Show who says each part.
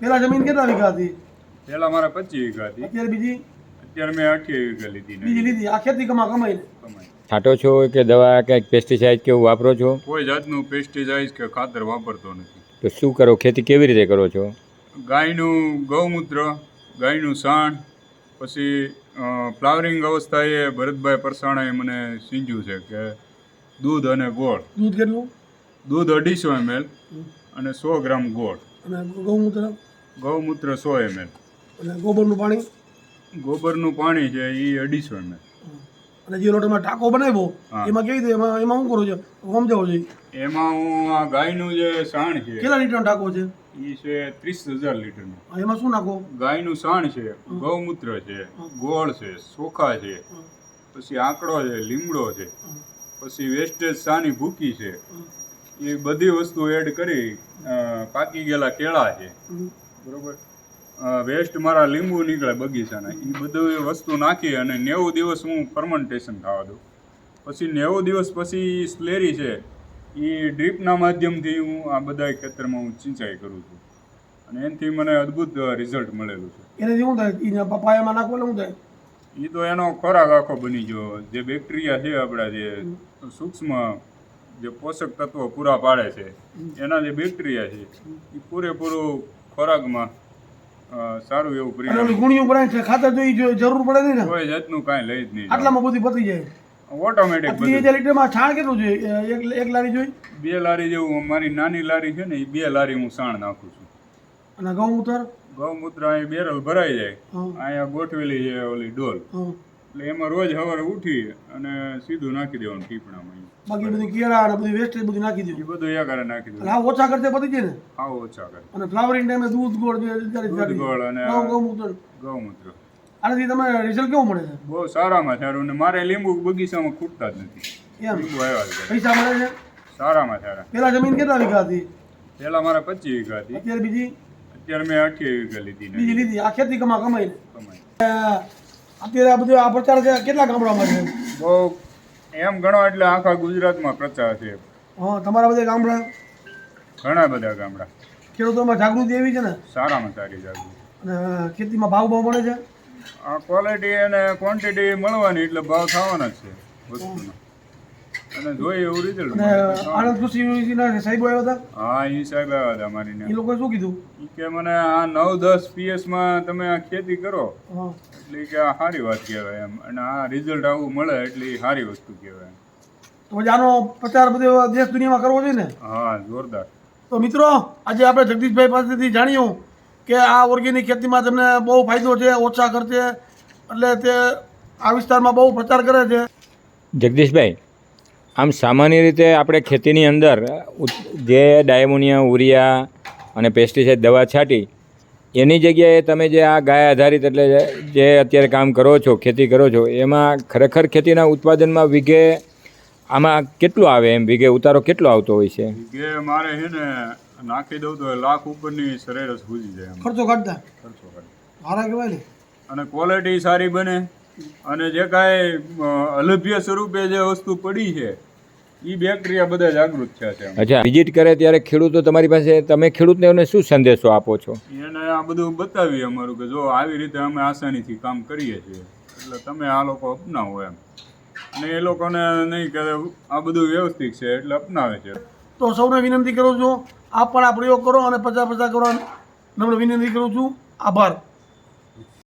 Speaker 1: પેલા જમીન કેટલા વીઘા હતી?
Speaker 2: પહેલા મારે 25 વીઘા હતી,
Speaker 1: અત્યારે બીજી
Speaker 2: અત્યારે મેં 28 વીઘા લીધી ને
Speaker 1: બીજી લીધી. આ ખેતી કમાઈને
Speaker 2: કમાઈ.
Speaker 3: છાંટો છો કે દવા કંઈક પેસ્ટિસાઇડ કેવું વાપરો છો?
Speaker 2: કોઈ જાતનું પેસ્ટિસાઇડ કે ખાતર વાપરતો નથી.
Speaker 3: તો શું કરો, ખેતી કેવી રીતે કરો છો?
Speaker 2: ગાયનું ગૌમૂત્ર, ગાયનું સાણ, પછી ફ્લાવરિંગ અવસ્થાએ ભરતભાઈ પરસાણાએ મને સીંજ્યું છે કે દૂધ અને ગોળ.
Speaker 1: દૂધ કેટલું?
Speaker 2: દૂધ 250 ml અને 100 ગ્રામ ગોળ.
Speaker 1: અને ગૌમૂત્ર?
Speaker 2: ગૌમૂત્ર 100 ml.
Speaker 1: અને ગોબરનું પાણી?
Speaker 2: ગોબરનું પાણી છે એ 250 ml.
Speaker 1: અને જે લોટમાં ટાંકો બનાવ્યો એમાં કેવી રીતે એમાં શું કરું છું? સમજાવો જોઈએ.
Speaker 2: એમાં હું આ ગાયનું જે સાણ છે
Speaker 1: કેટલા લીટરનો ટાંકો છે?
Speaker 2: એ છે 30,000 લીટરનું.
Speaker 1: એમાં શું નાખો?
Speaker 2: ગાયનું સાણ છે, ગૌમૂત્ર છે, ગોળ છે, ચોખા છે, પછી આંકડો છે, લીમડો છે, પછી વેસ્ટેજ સાની ભૂકી છે, એ બધી વસ્તુ એડ કરી પાકી ગયેલા કેળા છે, બરોબર, વેસ્ટ મારા લીંબુ નીકળે બગીચાના, એ બધી વસ્તુ નાખી અને 90 દિવસ હું ફર્મેન્ટેશન થવા દઉં. પછી 90 દિવસ પછી સ્લેરી છે એ ડ્રીપના માધ્યમથી હું આ બધા ખેતરમાં હું સિંચાઈ કરું છું અને એનાથી મને અદ્ભુત રિઝલ્ટ મળેલું છે.
Speaker 1: એનાથી શું થાય? એને પપાયામાં નાખો એટલે શું થાય?
Speaker 2: એ તો એનો ખોરાક આખો બની ગયો. જે બેક્ટેરિયા છે આપણા, જે સૂક્ષ્મ જે પોષક તત્વો પૂરા પાડે છે, એના જે બેક્ટેરિયા છે એ પૂરેપૂરું ખોરાકમાં સારું એવું પરિણામ.
Speaker 1: ગુણિયું ભરાય છે, ખાતર જોઈ જરૂર પડે નહીં ને?
Speaker 2: કોઈ જાતનું કાંઈ લઈ જ નહીં,
Speaker 1: આટલામાં બધી પતી જાય
Speaker 2: ઓટોમેટિક.
Speaker 1: 30,000 લીટરમાં છાણ કેટલું જોઈએ? એક લારી જોઈ?
Speaker 2: 2 લારી જેવું. મારી નાની લારી છે ને એ 2 લારી હું સાણ નાખું છું.
Speaker 1: અને ગૌમૂત્ર?
Speaker 2: ગૌમૂત્ર અહીં બેરલ ભરાઈ જાય, અહીંયા ગોઠવેલી છે ઓલી ડોલ, એટલે એમાં રોજ સવારે ઉઠી અને સીધું નાખી દેવાનું ટીપણામાં.
Speaker 1: બાકી બધું કેળા અને બધું વેસ્ટેજ બધું નાખી
Speaker 2: એ
Speaker 1: દીધું.
Speaker 2: બધું એકારે નાખી દેવું.
Speaker 1: હા, ઓછા કરતે પતી જાય ને?
Speaker 2: હા, ઓછા કરે.
Speaker 1: અને ફ્લાવરિંગ ટાઈમે દૂધ ગોળ
Speaker 2: દૂધ ગોળ અને
Speaker 1: ગૌમૂત્ર.
Speaker 2: ગૌમૂત્ર.
Speaker 1: આનાથી તમને રિઝલ્ટ કેવું મળે છે?
Speaker 2: બહુ સારામાં સારું. ને મારે લીંબુ બગીચામાં ખૂટતા જ નથી.
Speaker 1: એમ
Speaker 2: લીંબુ આવ્યા જ કરે.
Speaker 1: પૈસા મળે છે?
Speaker 2: સારામાં સારા.
Speaker 1: પેલા જમીન કેટલા વીઘા હતી?
Speaker 2: પહેલા મારે 25 વીઘા હતી,
Speaker 1: અત્યારે બીજી
Speaker 2: અત્યારે મેં 28 વીઘા લીધી ને
Speaker 1: બીજી લીધી. આ ખેતી કમાઈને
Speaker 2: કમાઈ.
Speaker 1: અત્યારે આ બધું આ પ્રચાર છે કેટલા ગામડામાં છે?
Speaker 2: બહુ એમ ગણો એટલે આખા ગુજરાતમાં પ્રચાર છે.
Speaker 1: હા, તમારા બધા ગામડા?
Speaker 2: ઘણા બધા ગામડા.
Speaker 1: ખેડૂતોમાં જાગૃતિ એવી છે ને?
Speaker 2: સારામાં સારી જાગૃતિ.
Speaker 1: અને ખેતીમાં ભાવ મળે છે?
Speaker 2: આ ક્વોલિટી અને ક્વોન્ટિટી મળવાની એટલે ભાવ થવાના જ છે વસ્તુનો. અને જોઈએ એવું રિઝલ્ટ.
Speaker 1: અને આનંદ કૃષિ યુનિવર્સિટીના સાહેબો આવ્યા હતા?
Speaker 2: હા, એ સાહેબ આવ્યા હતા મારીને.
Speaker 1: એ લોકોએ શું કીધું?
Speaker 2: એ કે મને આ 9-10 PS તમે આ ખેતી કરો
Speaker 1: હા,
Speaker 2: એટલે કે આ સારી વાત કહેવાય એમ, અને આ રિઝલ્ટ આવું મળે એટલે એ સારી વસ્તુ કહેવાય.
Speaker 1: તો પછી આનો પ્રચાર બધો દેશ દુનિયામાં કરવો જોઈએ ને?
Speaker 2: હા, જોરદાર.
Speaker 1: તો મિત્રો, આજે આપણે જગદીશભાઈ પાસેથી જાણ્યું કે આ ઓર્ગેનિક ખેતીમાં તમને બહુ ફાયદો છે, ઓછા ખર્ચે, એટલે તે આ વિસ્તારમાં બહુ પ્રચાર કરે છે.
Speaker 3: જગદીશભાઈ, આમ સામાન્ય રીતે આપણે ખેતીની અંદર જે ડાયમોનિયા, ઉરિયા અને પેસ્ટિસાઇડ દવા છાંટી એની જગ્યાએ તમે જે આ ગાય આધારિત એટલે જે અત્યારે કામ કરો છો, ખેતી કરો છો, એમાં ખરેખર ખેતીના ઉત્પાદનમાં વીઘે આમાં કેટલું આવે? એમ વીઘે ઉતારો કેટલો આવતો હોય છે?
Speaker 2: કે મારે છે ને નાખી દઉં તો 1 લાખ ઉપરની સરેરાશ પૂજી જાય.
Speaker 1: ખર્ચો કાઢતા
Speaker 2: ખર્ચો કરે.
Speaker 1: સારા કહેવાય ને?
Speaker 2: અને ક્વોલિટી સારી બને. અને જે કાંઈ અલભ્ય સ્વરૂપે જે વસ્તુ પડી છે એ બેક્ટેરિયા બધા જાગૃત થયા છે.
Speaker 3: અચ્છા, વિઝિટ કરે ત્યારે ખેડૂતો તમારી પાસે, તમે ખેડૂતને શું સંદેશો આપો છો?
Speaker 2: એને આ બધું બતાવીએ અમારું કે જો આવી રીતે અમે આસાનીથી કામ કરીએ છીએ, એટલે તમે આ લોકો અપનાવો એમ. અને એ લોકોને નહીં કે આ બધું વ્યવસ્થિત છે એટલે અપનાવે છે.
Speaker 1: તો સૌને વિનંતી કરું છું, આપ પણ આ પ્રયોગ કરો અને 50-50 કરો. નમ્ર વિનંતી કરું છું. આભાર.